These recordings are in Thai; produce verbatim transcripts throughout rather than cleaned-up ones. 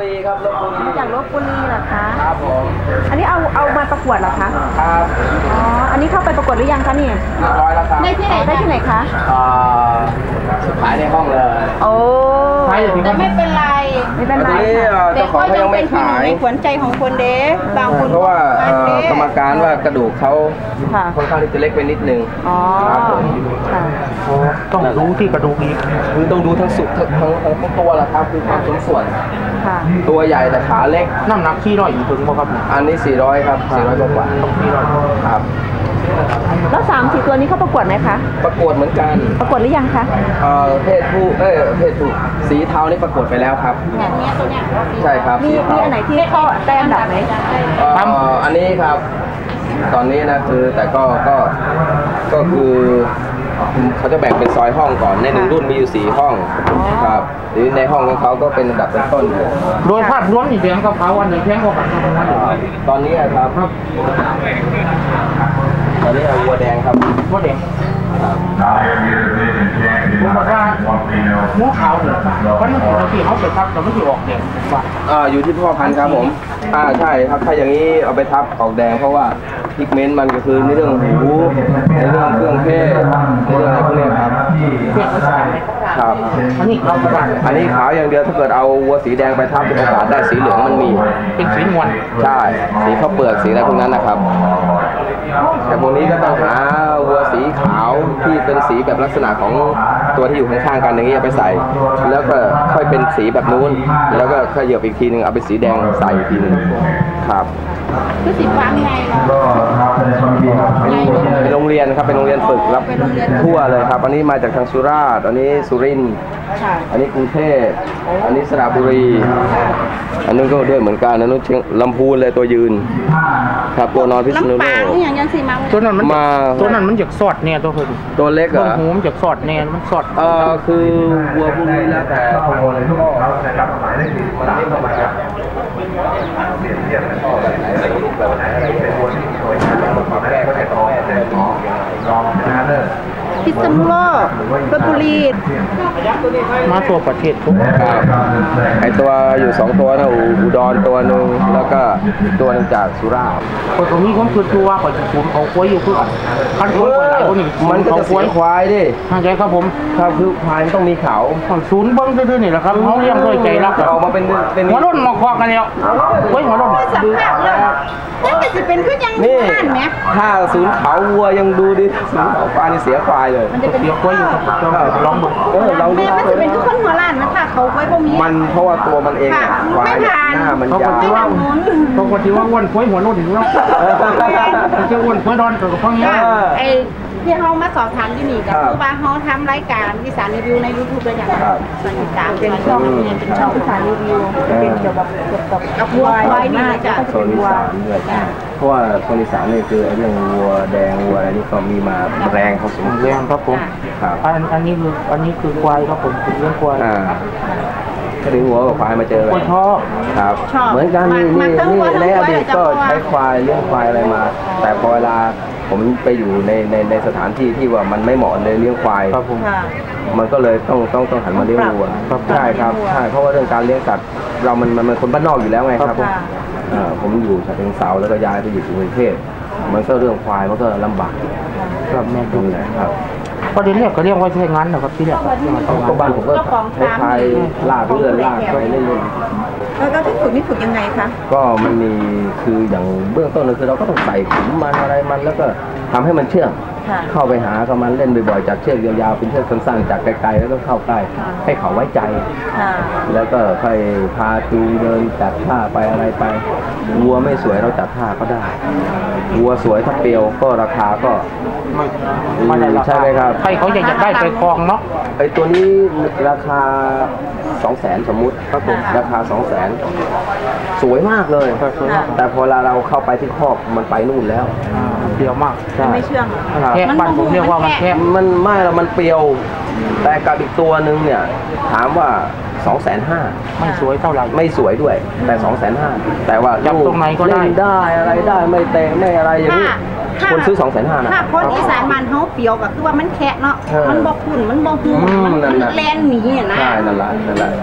รีครับลพบุรีมาจากลพบุรีเหรอคะครับผมอันนี้เอาเอามาประกวดเหรอคะครับอ๋ออันนี้เข้าไปประกวดหรือยังคะนี่เรียบร้อยแล้วครับได้ที่ไหนได้ที่ไหนคะอ่าขายในห้องเลยโอ้แต่ไม่เป็นไรไม่เป็นไรค่ะเจ้าของเขายังไม่ขายขวัญใจของคนเด้บางคนเพราะว่ากรรมการว่ากระดูกเขาค่อนข้างที่จะเล็กไปนิดนึงอ๋อค่ะต้องรู้ที่กระดูกอีกคือต้องดูทั้งสุดทั้งทั้งทั้งตัวแหละครับคือความสมส่วนตัวใหญ่แต่ขาเล็กน้ำหนักที่ร้อยถึงบ่ครับอันนี้สี่ร้อยครับสี่ร้อยกว่าต้องที่ร้อยครับแล้วสามสี่ตัวนี้เขาประกวดไหมคะประกวดเหมือนกันประกวดหรือยังคะเอ่อเพศผู้เอ้ยเพศผู้สีเทานี่ประกวดไปแล้วครับใช่ครับมีมีอันไหนที่เขาแต้มดับไหมอันนี้ครับตอนนี้นะคือแต่ก็ก็ก็คือเขาจะแบ่งเป็นซอยห้องก่อนในหนึ่งรุ่นมีอยู่สี่ห้องครับหรือในห้องของเขาก็เป็นระดับต้นอยู่โดยภาพรวมนี่แพงกับเขาอันไหนแพงกว่ากันตอนนี้ครับตอนนี้วัวแดงครับวัวแดงผมบอกว่าหมูขาวเนี่ยมันเป็นของที่เขาไปทับแต่ไม่ที่ออกแดงอ่าอยู่ที่พ่อพันธุ์ครับผมอ่าใช่ครับถ้าอย่างนี้เอาไปทับออกแดงเพราะว่าพิกเมนต์มันก็คือในเรื่องหูในเรื่องเครื่องเทศในเรื่องอะไรพวกนี้ครับครับอันนี้ขาวอันนี้ขาวอย่างเดียวถ้าเกิดเอาวัวสีแดงไปทับโอกาสได้สีเหลืองมันมีเป็นสีนวลใช่สีข้าวเปลือกสีอะไรพวกนั้นนะครับแต่พวกนี้ก็ต้องหาวัวสีขาวที่เป็นสีแบบลักษณะของตัวที่อยู่ข้างๆกันอย่างนี้ไปใส่แล้วก็ค่อยเป็นสีแบบนู้นแล้วก็ค่อยเหยียบอีกทีนึงเอาไปสีแดงใส่อีกทีนึงครับคือสีฟ้าไงเป็นโรงเรียนครับเป็นโรงเรียนฝึกรับทั่วเลยครับอันนี้มาจากทางสุราษฎร์อันนี้สุรินทร์อันนี้กรุงเทพอันนี้สระบุรีอันนู้นก็ด้วยเหมือนกันอันนู้นเชียงลำพูนเลยตัวยืนครับตัวนอนพิษณุโลกตัวนั้นมันมาตัวนั้นมันจากสอดเนี่ยตัวเพิ่มตัวเล็กเหรอหูมันจากสอดเนี่ยมันสอดเออคือวัวพวกนี้แล้วแต่พ่อเลยพ่อมันไม่เข้ามาเปลี่ยนเทียบเป็นพ่อแบบไหนลูกแบบไหนอะไรเป็นวัวที่สวยงามมาปรับแก้ก็ได้ต่อแม่ต่อรองชนะเลิศพิษณุโลกลพบุรีมาตัวประเทศทุกครับไอตัวอยู่สองตัวนะอุดรตัวหนึ่งแล้วก็ตัวนึงจากสุราษฎร์คนตรงนี้ผมคือตัวก่อนผมเขาควายอยู่คือคันควายอะไรพวกนี้มันก็จะเสียควายดิเข้าใจครับผมครับคือควายต้องมีเขาศูนย์เบิ้งซื่อๆนี่แหละครับเขาเลี้ยงด้วยใจรักออกมาเป็นเป็นหัวรุ่นมาควักกันแล้วเฮ้ยหัวรุ่นดูแล้วนี่จะเป็นขึ้นยังนี่ถ้าศูนย์เขาวัวยังดูดิศูนย์เขาควายนี่เสียควายเลยมันจะเป็นเสียควายอยู่ครับลองดูเออลองดูมันจะเป็นทุกคนหัวล้านนะคะเขาไว้พวกนี้มันเพราะว่าตัวมันเองควายหน้ามันยาวเขาคนที่ว่าอ้วนควายหัวรุ่นถึงแล้วจะอ้วนควายดอนกับพวกนี้ไอ้ที่เขามาสอบถามที่นี่ก็คือว่าเขาทำรายการวิสานรีวิวในยูทูบเลยอย่างสนิทตามเป็นช่องเป็นช่องวิสานรีวิวเป็นเกี่ยวกับเกี่ยวกับกับวัวควายนี่จะเป็นวัวเพราะว่าโซนอีสานนี่คือเรื่องวัวแดงวัวอะไรนี่ก็มีมาแรงเขาสูงแรงครับผมอันอันนี้คืออันนี้คือควายครับผมคือเรื่องควายก็ถึงหัวกับควายมาเจอคนชอบครับเหมือนกันนี่นี่นี่ในอดีตก็ใช้ควายเลี้ยงควายอะไรมาแต่พอเวลาผมไปอยู่ในในในสถานที่ที่ว่ามันไม่เหมาะเลยเลี้ยงควายมันก็เลยต้องต้องต้องหันมาเลี้ยงวัวใช่ครับใช่เพราะว่าเรื่องการเลี้ยงสัตว์เรามันมันเป็นคนบ้านนอกอยู่แล้วไงครับผมอยู่ฉะเชิงเทราแล้วก็ย้ายไปอยู่กรุงเทพมันก็เรื่องควายมันก็ลำบากครับแม่ตรงไหนครับประเด็นแรกก็เรียกว่าใช้งานนะครับที่แรกก็บ้านผมก็ใช้ลากเรือลากไปเรื่อยๆแล้วที่ฝึกนี่ฝึกยังไงคะก็มันมีคืออย่างเบื้องต้นเลยคือเราก็ต้องใส่ขุมมันอะไรมันแล้วก็ทำให้มันเชื่องเข้าไปหากับมันเล่นบ่อยๆจากเชือกยาวๆเป็นเชือกสั้นๆจากไกลๆแล้วก็เข้าใกล้ให้เขาไว้ใจแล้วก็ค่อยพาจูเดินจัดท่าไปอะไรไปวัวไม่สวยเราจัดท่าก็ได้วัวสวยถ้าเปรียวก็ราคาก็ไม่ได้ใช่ไหมครับใครเขาอยากจะได้ไปคลองเนาะไอตัวนี้ราคาสองแสนสมมุติครับผมราคาสองแสนสวยมากเลยแต่พอเราเข้าไปที่คอกมันไปนู่นแล้วเปรี้ยวมากไม่เชื่องแคบบ้านผมเรียกว่ามันแคบมันไม่แล้วมันเปรี้ยวแต่กับอีกตัวหนึ่งเนี่ยถามว่าสองแสนห้าไม่สวยเท่าไหร่ไม่สวยด้วยแต่สองแสนห้าแต่ว่าจับตรงไหนก็ได้ได้อะไรได้ไม่เตะไม่อะไรอย่างนี้คนซื้อสองแสนห้านะถ้าคนอีสานมันเขาเปรี้ยวก็คือว่ามันแคะเนาะมันบ่ขุ่นมันบ่หูมันแลนหนีนะใช่นั่นแหละนั่นแหละ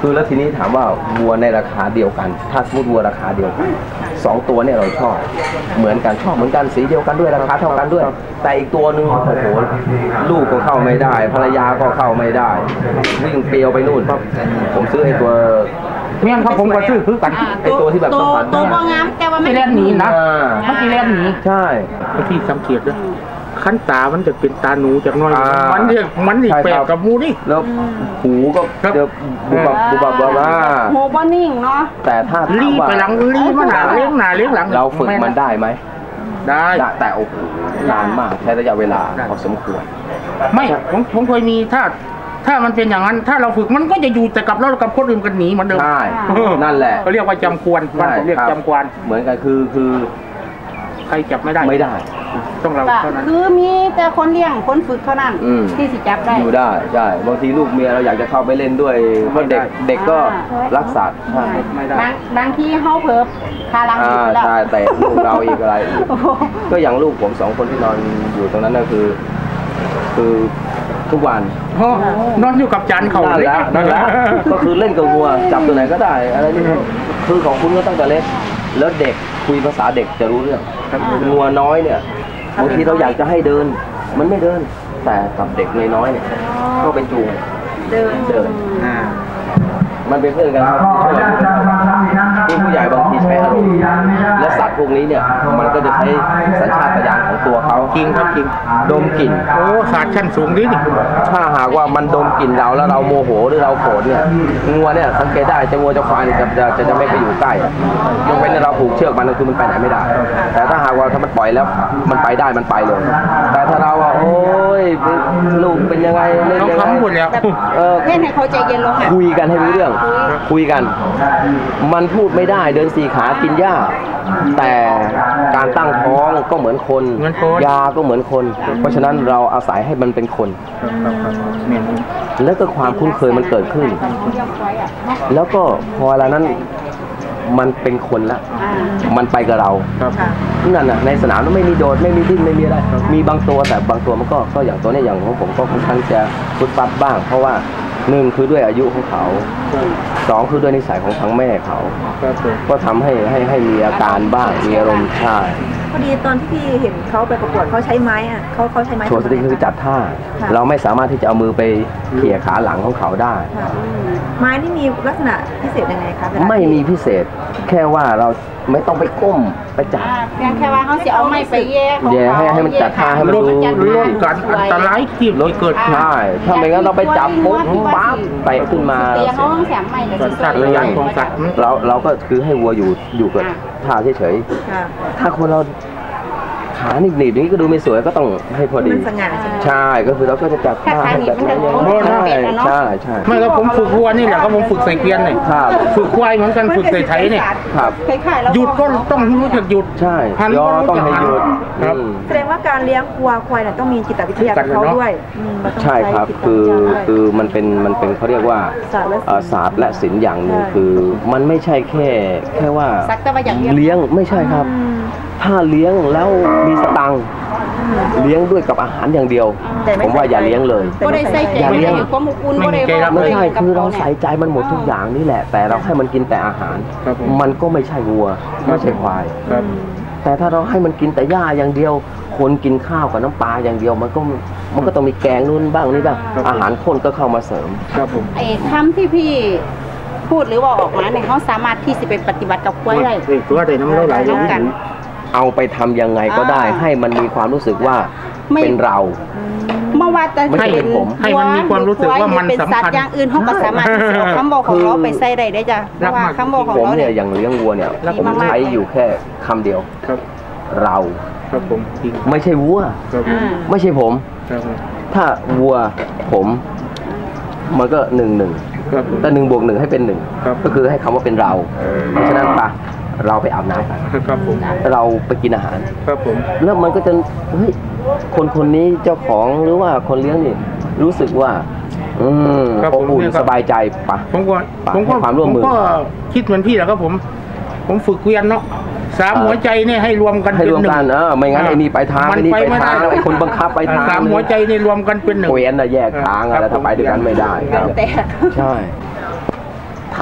คือแล้วทีนี้ถามว่าวัวในราคาเดียวกัน ถ้าสมมติวัวราคาเดียวกันสองตัวเนี่ยเราชอบเหมือนกันชอบเหมือนกันสีเดียวกันด้วยราคาเท่ากันด้วยแต่อีกตัวหนึ่งโอ้โหลูกก็เข้าไม่ได้ภรรยาก็เข้าไม่ได้วิ่งเปรียวไปนู่นผมซื้อไอ้ตัวเมี่ยครับผมก็ซื้อคือกันไอ้ตัวที่แบบสัมผัสได้ตัวบ่งามแต่ว่าไม่ที่แรกหนีนะอ่ามันที่แรกหนีใช่ที่สังเกตด้วยขั้นตามันจะเป็นตาหนูจากน้อยอ่ามัมันเรียกมันอีกใช่แปลครักบกับหมูนี่แล้วหูก็ครับเดี๋ยวบุบบับบุบบับบุบบับโหบ่นิ่งเนาะแต่ถ้าถามรีบว่าไปหลังรีบมาหนาเลี้ยงหนาเลี้ยงหลังเราฝึกมันได้ไหมได้ได้แต่โอ้โหนานมากใช้ระยะเวลาพอสมควรไม่ผมผมเคยมีถ้าถ้ามันเป็นอย่างนั้น ถ้าเราฝึกมันก็จะอยู่แต่กับเรากับคนอื่นกันหนีเหมือนเดิมใช่นั่นแหละเขาเรียกว่าจำควรบ้านผมเรียกใช่ครับจำควรเหมือนกันคือคือใครจับไม่ได้ไม่ได้ต้องเราก็เท่านั้นคือมีแต่คนเลี้ยงคนฝึกเท่านั้นอืมที่สิจับได้อยู่ได้ใช่บางทีลูกเมียเราอยากจะเข้าไปเล่นด้วยเพราะเด็กเด็กก็รักสัตว์ใช่ไม่ได้บางบางทีเฮาเพิ่มคาลังอ่าอีกแล้วใช่แต่ลูกเราอีกอะไรอีกโอ้โหก็อย่างลูกผมสองคนที่นอนอยู่ตรงนั้นก็คือ คือทุกวันโอ้นอนอยู่กับจานเขานั่นเลยแหละนั่นแหละก็คือเล่นกับวัวจับตัวไหนก็ได้อะไรนี่คือของคุณก็ตั้งแต่เล็กแล้วเด็กคุยภาษาเด็กจะรู้เรื่องงัวน้อยเนี่ยบางทีเราอยากจะให้เดิน มันไม่เดิน แต่กับเด็กน้อยๆเนี่ยก็เป็นจูงเดินเดินอ่ามันเป็นเพื่อนกันครับที่ผู้ใหญ่บางทีใช้อารมณ์และสัตว์พวกนี้เนี่ยมันก็จะใช้สัญชาตญาณของตัวเขาจริงครับจริงดมกลิ่นโอ้ศาสตร์ชั้นสูงนี่นี่ถ้าหากว่ามันดมกลิ่นเราแล้วเราโมโหหรือเราโกรธเนี่ยงัวเนี่ยสังเกตได้จะงัวจะควายเนี่ยจะจะจะจะไม่ไปอยู่ใกล้ยกเว้นเราผูกเชือกมันก็คือมันไปไหนไม่ได้ แต่ถ้าหากว่าถ้ามันปล่อยแล้วมันไปได้มันไปเลย แต่ถ้าเราว่าโอ้ยลูกเป็นยังไงเล่นเขายังไงคำหมดแล้วเออเล่นให้เขาใจเย็นลงอ่ะคุยกันให้รู้เรื่อง คุยกัน มันพูดไม่ได้เดินสี่ขากินหญ้า แต่การตั้งท้องก็เหมือนคนเหมือนคนยาก็เหมือนคน เพราะฉะนั้นเราอาศัยให้มันเป็นคนเนี่ยแล้วก็ความคุ้นเคยมันเกิดขึ้น แล้วก็พอเวลานั้นมันเป็นคนละ มันไปกับเราครับนั่นน่ะในสนามไม่มีโดดไม่มีดิ้นไม่มีอะไร มีบางตัวแต่บางตัวมันก็ก็อย่างตัวเนี้ยอย่างของผมก็ค่อนข้างจะฟุดฟัดบ้าง เพราะว่าหนึ่งคือด้วยอายุของเขาสองคือด้วยนิสัยของทั้งแม่เขาครับผมก็ทำให้ให้ให้มีอาการบ้างมีอารมณ์ใช่พอดีตอนที่พี่เห็นเขาไปประกวดเขาใช้ไม้อะเขาเขาใช้ไม้โชว์สติกคือจัดท่าค่ะเราไม่สามารถที่จะเอามือไปเขี่ยขาหลังของเขาได้ค่ะไม้นี่มีลักษณะพิเศษยังไงคะเวลาไม่มีพิเศษ แค่ว่าเราไม่ต้องไปก้มไปจับอ่าเพียงแค่ว่าเขาจะเอาไม้ไปแย่ของแย่ให้ให้มันจัดท่าให้มันลดดูลดการอันตรายที่เกิดขึ้นใช่ถ้าไม่งั้นเราไปจับปุ๊บปั๊บไปขึ้นมาเตียเขาต้องแสมไม้เลยสัญชาตญาณของสัตว์เราเราก็คือให้วัวอยู่อยู่กับท่าเฉยค่ะๆถ้าคนเราขาหนีบๆอย่างนี้ก็ดูไม่สวยก็ต้องให้พอดีมันสง่าใช่ไหมใช่ก็คือเราก็จะจับท่าให้แบบนั้นอย่างนี้ใช่ใช่ไม่แล้วผมฝึกวัวนี่แหละก็ผมฝึกใส่เกวียนเนี่ยครับฝึกควายเหมือนกันฝึกใส่ไถเนี่ยครับคล้ายๆแล้วหยุดก็ต้องรู้จักหยุดใช่หันยอก็รู้ต้องจักให้หันหยุดครับอืมแสดงว่าการเลี้ยงวัวควายเนี่ยต้องมีจิตวิทยากับเขาด้วยอืมมันต้องใช่ครับจิตวิทยาคือด้วยคือมันเป็นมันเป็นเขาเรียกว่าศาสตร์และศิลป์เอ่อศาสตร์และศิลป์อย่างหนึ่งใช่คือมันไม่ใช่แค่แค่ว่าสักแต่ว่าอย่างเดียวเลี้ยงไม่ใช่ครับอืมถ้าเลี้ยงแล้วมีสตังค์เลี้ยงด้วยกับอาหารอย่างเดียวแต่ไม่ผมว่าใส่อย่าใจเลี้ยงเลยก็ได้ใส่ใจอย่าเลี้ยงความอบอุ่นก็ได้ไม่ใช่คือเราใส่ใจมันหมดทุกอย่างนี่แหละ แต่เราให้มันกินแต่อาหารครับผมมันก็ไม่ใช่วัวไม่ใช่ควายครับแต่ถ้าเราให้มันกินแต่หญ้าอย่างเดียว คนกินข้าวกับน้ำปลาอย่างเดียว มันก็มันก็ต้องมีแกงนู่นบ้างนี่บ้างอาหารข้นก็เข้ามาเสริมครับผมไอ้คำที่พี่พูดหรือว่าออกมาเนี่ยเขาสามารถที่จะไปปฏิบัติกับกล้วยได้เด็กตัวเด็กน้ำเล่าไหลร่วมกันเอาไปทำยังไงก็ได้อ่าให้มันมีความรู้สึกว่าไม่เป็นเราเมื่อว่าแต่ไม่ใช่เป็นผมให้มันมีความรู้สึกว่ามันเป็นสำสัตคัญว์อย่างอื่นเขาก็สามารถที่จะเอาคำบอกของเราไปใส่ได้ได้จ้ะเพราะว่าคำบอกของผมเราเนี่เนี่ย ยอย่างเลี้ยงวัวเนี่ยดีผมมากๆใช้อยู่แค่คำเดียวครับเราครับผมจริงไม่ใช่วัวครับผมอ่าไม่ใช่ผมครับผมถ้าวัวผม มันก็หนึ่งหนึ่งครับผมแต่หนึ่งบวกหนึ่งให้เป็นหนึ่งครับก็คือให้คำว่าเป็นเรา เพราะฉะนั้นปะเราไปอาบน้ำกันครับผมเราไปกินอาหารครับผมแล้วมันก็จะเฮ้ยคนคนนี้เจ้าของหรือว่าคนเลี้ยงนี่รู้สึกว่า อืมครับอผมบอุ่นเนี่ยครับสบายใจปะผมก็ปะผมก็ให้ความร่วมมือผมก็คิดเหมือนพี่แหละครับผม ผมฝึกเกวียนเนาะสามเออหัวใจเนี่ยให้รวมกันให้เป็นรวมหนึ่งกันเออไม่งั้นไอ้นี่ไปทางมัไอ้นี่ไปไปไม่ทางได้ไอ้คนบังคับไปทางสามหัวใจนี่รวมกันเป็นหนึ่งเกวียนน่ะแยกทางอะไรถ้าไปด้วยกันไม่ได้ครับแต่ใช่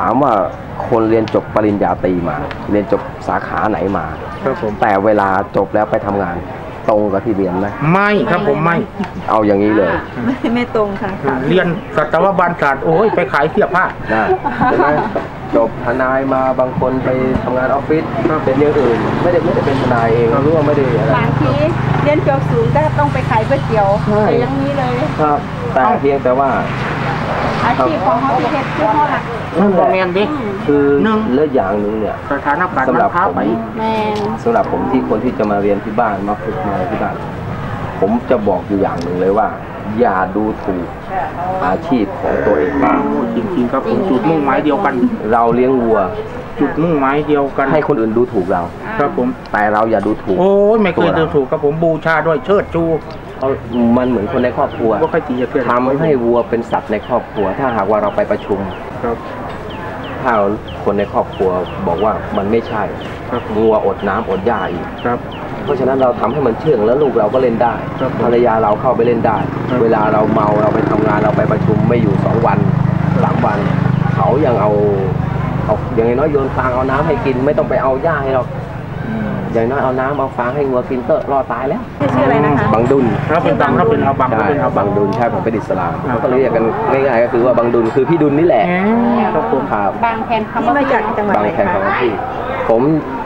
ามว่าคนเรียนจบปริญญาตรีมา เรียนจบสาขาไหนมาครับผมแต่เวลาจบแล้วไปทำงานตรงกับที่เรียนไหมไม่ครับผมไม่เอาอย่างนี้เลยไม่ไม่ตรงค่ะเรียนสัตวบาลศาสตร์โอ้ยไปขายเสื้อผ้านะใช่ไหมจบทนายมาบางคนไปทำงานออฟฟิศเป็นอย่างอื่นไม่ได้ไม่ได้เป็นทนายเองหรือว่าไม่ได้อะไรบางทีเรียนจบสูงก็ต้องไปขายก๋วยเตี๋ยวแต่ยังนี้เลยครับแต่เพียงแต่ว่าอาชีพของเขาที่เฮ็ดคือเขาหลักนั่นแหละคือเลือกอย่างหนึ่งเนี่ยสถานการณ์สำหรับผมแม่สำหรับผมที่คนที่จะมาเรียนที่บ้านมาฝึกมาที่บ้านผมจะบอกอยู่อย่างหนึ่งเลยว่าอย่าดูถูกอาชีพของตัวเองบ้างจริงๆครับผมจุดมุ่งหมายเดียวกันเราเลี้ยงวัวจุดมุ่งหมายเดียวกันให้คนอื่นดูถูกเราครับผมแต่เราอย่าดูถูกโอ้ยไม่เคยดูถูกครับผมบูชาด้วยเชิดชูมันเหมือนคนในครอบครัวทำให้วัวเป็นสัตว์ในครอบครัวถ้าหากว่าเราไปประชุมครับถ้าคนในครอบครัวบอกว่ามันไม่ใช่วัวอดน้ำอดหญ้าอีกครับเพราะฉะนั้นเราทำให้มันเชื่องแล้วลูกเราก็เล่นได้ภรรยาเราเข้าไปเล่นได้เวลาเราเมาเราไปทำงานเราไปประชุมไม่อยู่สองวันสามวันเขายังเอาเอาอย่างน้อยโยนฟางเอาน้ำให้กินไม่ต้องไปเอาหญ้าให้เราอย่างน้อยเอาน้ำเอาฟางให้วัวกินก็รอตายแล้วชื่ออะไรนะคะบังดุลครับเป็นบังครับเป็นอาบังเป็นอาบังดุลใช่ผมเป็นอิสลามเขาก็เรียกกันง่ายๆก็คือว่าบังดุลคือพี่ดุลนี่แหละครับผมครับบางแคนคำมาจากจังหวัดไหนคะบางแคนคำที่ผม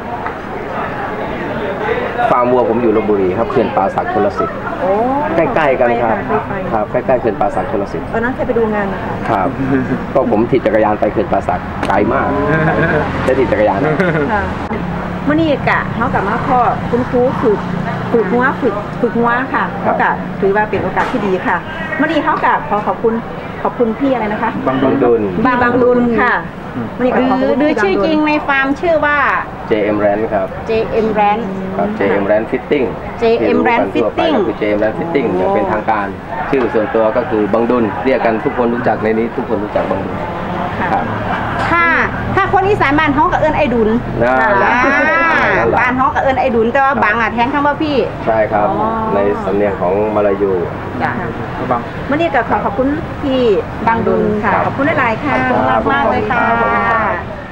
ฟาร์มวัวผมอยู่ลพบุรีครับเขื่อนป่าสักชลสิทธิ์ใกล้ๆกันครับครับใกล้ๆเขื่อนป่าสักชลสิทธิ์ตอนนั้นเคยไปดูงานนะคะครับก็ผมถีบจักรยานไปเขื่อนป่าสักไกลมากได้ถีบจักรยานค่ะเมื่อนี้กะเขากับมาพ่อคุณครูฝึกฝึกหัวฝึกฝึกหัวค่ะเขากะถือว่าเป็นโอกาสที่ดีค่ะเมื่อนี้เขากะขอขอบคุณขอบคุณพี่อะไรนะคะบังดุลบางบังดุลค่ะหรือชื่อจริงในฟาร์มชื่อว่าเจ เอ็ม Rand ครับเจ เอ็ม Rand ครับ เจ เอ็ม Rand Fitting เจ เอ็ม Rand Fitting คือ เจ เอ็ม Rand Fitting อย่างเป็นทางการชื่อส่วนตัวก็คือบังดุลเรียกกันทุกคนรู้จักในนี้ทุกคนรู้จักบังดุลครับถ้าถ้าคนอีสานบ้านฮ้องกับเอิญไอดุลบ้านฮ้องกับเอิญไอดุลแต่ว่าบางอ่ะแทนคำว่าพี่ใช่ครับในสำเนียงของมาลายูจ้ะบังเมื่อนี้ก็ขอขอบคุณพี่บังดุลค่ะขอบคุณหลายๆค่ะมากมากเลยค่ะ